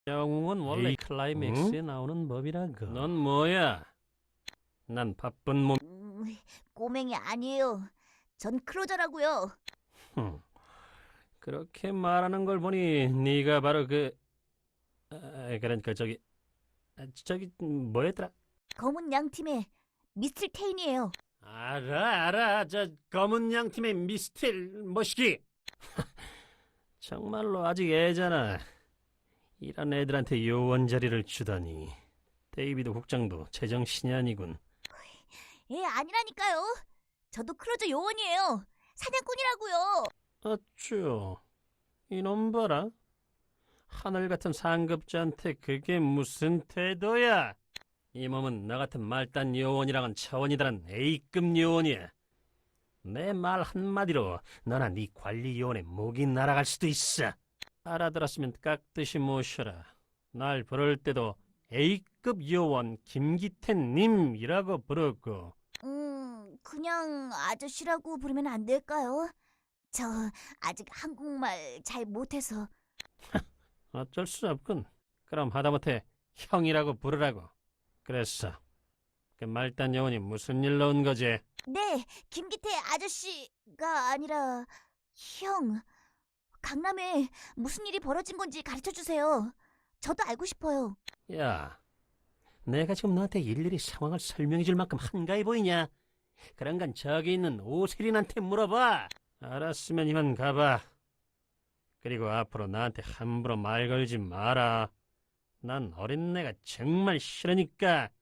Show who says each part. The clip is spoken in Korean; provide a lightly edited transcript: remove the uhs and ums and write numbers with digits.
Speaker 1: 영웅은 원래
Speaker 2: 에이,
Speaker 1: 클라이맥스에 나오는 법이라고. 넌 뭐야? 난 바쁜 몸.
Speaker 3: 꼬맹이 아니에요. 전 클로저라고요.
Speaker 1: 그렇게 말하는 걸 보니 네가 바로 그러니까 저기 뭐였더라?
Speaker 3: 검은 양팀의 미스틸 테인이에요.
Speaker 1: 알아. 저 검은 양 팀의 미스틸 머시기. 정말로 아직 애잖아. 이런 애들한테 요원 자리를 주다니. 데이비드 국장도 제정신이 아니군.
Speaker 3: 아니라니까요. 저도 클로저 요원이에요. 사냥꾼이라고요.
Speaker 1: 어쭈, 이놈 봐라. 하늘 같은 상급자한테 그게 무슨 태도야? 이 몸은 나 같은 말단 요원이랑은 차원이 다른 A급 요원이야. 내 말 한마디로 너나 네 관리 요원의 목이 날아갈 수도 있어. 알아들었으면 깍듯이 모셔라. 날 부를 때도 A급 요원 김기태님이라고 부르고.
Speaker 3: 그냥 아저씨라고 부르면 안 될까요? 저 아직 한국말 잘 못해서.
Speaker 1: 어쩔 수 없군. 그럼 하다못해 형이라고 부르라고. 그랬어. 그 말단 요원이 무슨 일로 온 거지?
Speaker 3: 네, 김기태 아저씨가 아니라 형. 강남에 무슨 일이 벌어진 건지 가르쳐 주세요. 저도 알고 싶어요.
Speaker 1: 야, 내가 지금 너한테 일일이 상황을 설명해 줄 만큼 한가해 보이냐? 그런 건 저기 있는 오세린한테 물어봐. 알았으면 이만 가봐. 그리고 앞으로 나한테 함부로 말 걸지 마라. 난 어린애가 정말 싫으니까.